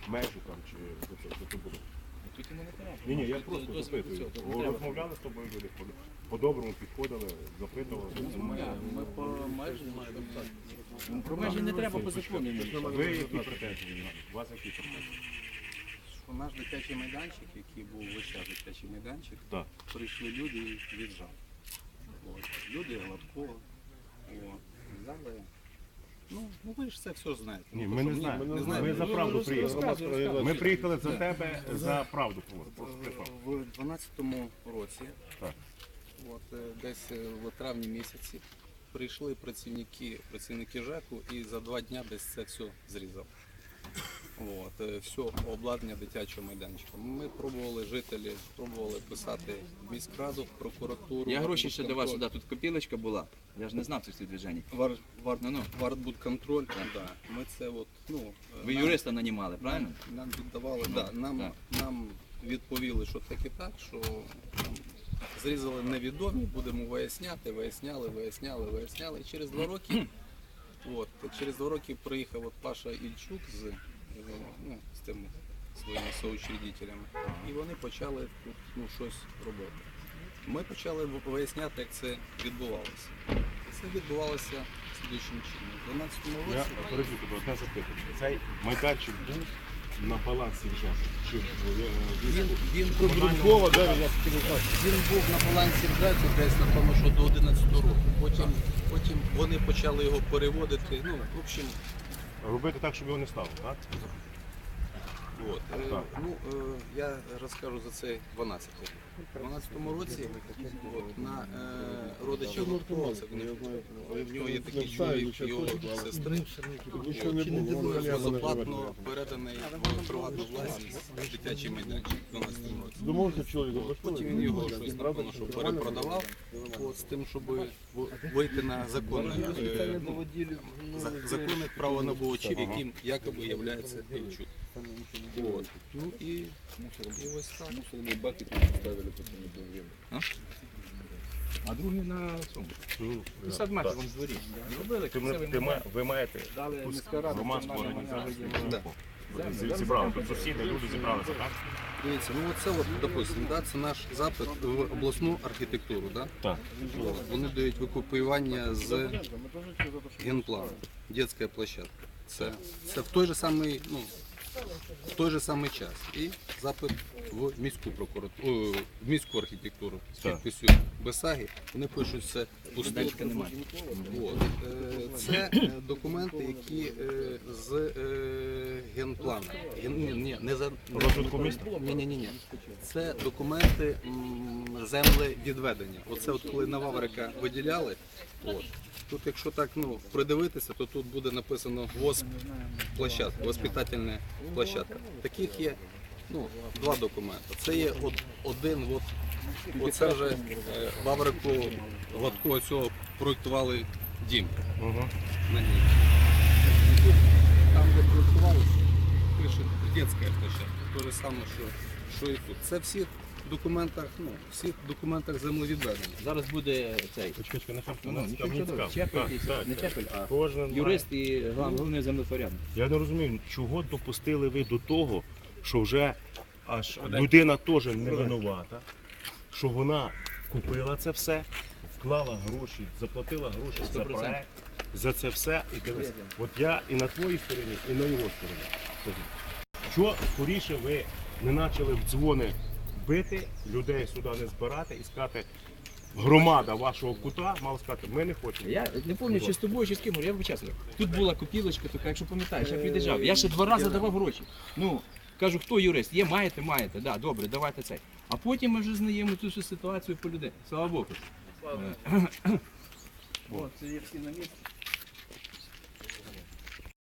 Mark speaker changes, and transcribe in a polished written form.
Speaker 1: межу там чи за це було?
Speaker 2: Тут йому не треба.
Speaker 1: Ні, я просто запитую. Розмовляли з тобою люди, по-доброму підходили, запитували.
Speaker 2: Ми по межі не маємо так. Про межі не треба по закону.
Speaker 1: Ви які претензії? У вас які претензії?
Speaker 3: У наш дитячий майданчик, який був весь час дитячий майданчик,
Speaker 1: Так.
Speaker 3: прийшли люди і віджали. Люди Гладкого. Взяли. Ну, ви ж це все знаєте.
Speaker 1: Ні, ми не знаємо. Ми за правду приїхали. Ми приїхали за тебе, за правду.
Speaker 3: В 12-му році,
Speaker 1: Так.
Speaker 3: десь в травні місяці, прийшли працівники ЖЕКу і за 2 дні десь це все зрізали. Все обладнання дитячого майданчика. Ми пробували, жителі пробували писати в міськраду, в прокуратуру.
Speaker 2: Я гроші ще давав сюди, тут копілочка була. Я ж не знав цих всіх движень.
Speaker 3: Вартбудконтроль. Да. Ми це
Speaker 2: Ви юриста нанімали, правильно?
Speaker 3: Нам віддавали, нам відповіли, що так і так, що зрізали невідомі, будемо виясняти, виясняли. І через 2 роки, через 2 роки приїхав Паша Ільчук з тими своїми соучредителями, і вони почали тут щось робити. Ми почали виясняти, як це відбувалося. Це відбувалося слідуючим чином. У 12-му
Speaker 1: Я
Speaker 3: році
Speaker 1: переб'ю тебе, одне запитання. Цей майданчик був на балансі ЖЕКу?
Speaker 3: він був на балансі ЖЕКу десь, напевно, що до 11 року. Потім вони почали його переводити. В общем,
Speaker 1: Робити так, щоб його не стало, так?
Speaker 3: Я розкажу за цей 12 років. У 12-му році на родича Гладкого, в нього є такий чоловік, його сестри, безоплатно переданий в приватну власність дитячий майданчик в 12-му році. Потім він його щось, напевно, що перепродавав з тим, щоб вийти на законне правонабувачів, яким якоби є Ільчук. І ось так.
Speaker 2: А другий на цьому. 50 метрів вон в дворі.
Speaker 1: Ви маєте громадську організацію. Зібрали, тут сусіди, люди зібралися, так?
Speaker 3: Дивіться, це, допустимо, це наш запит в обласну архітектуру.
Speaker 1: Так.
Speaker 3: Вони дають викопіювання з генплану, дитяча площадка. Це в той же самий час. І запит в міську прокуратуру, в міську архітектуру з підписю Бесаги. Вони пишуть, це пусте. Це документи, які з генплану. Не за
Speaker 1: розвитку міста?
Speaker 3: Ні. Це документи землевідведення. Оце коли на Ваврика виділяли. Тут, якщо так придивитися, то тут буде написано ВОСП-площадка, воспитательна площадка. Таких є 2 документи. Це є один, оце вже Ваврику Гладкого цього проєктували дім на ній. Там, де проєктувалося, пише дитяча площадка. Те ж саме, що і тут. Це всіх документах землевідведення.
Speaker 2: Зараз буде цей.
Speaker 1: Почекай,
Speaker 2: Не Чепель, а юрист і головний землепорядник.
Speaker 1: Я не розумію, чого допустили ви до того, що вже аж людина теж не винувата, що вона купила це все, вклала гроші, заплатила гроші за проект, за це все. І дивись, от я і на твоїй стороні, і на його стороні. Що скоріше ви не почали в дзвони бити, людей сюди не збирати і сказати, громада вашого кута мала сказати, ми не хочемо.
Speaker 2: Я не пам'ятаю, чи з тобою, чи з ким, я вибачаюся. Тут була копілочка, така, якщо пам'ятаєш, я під'їжджав. Я ще 2 рази давав гроші. Кажу, хто юрист? Є, маєте, да, добре, давайте цей. А потім ми вже знаємо цю всю ситуацію по людей. Слава Богу. Це є всі на місці.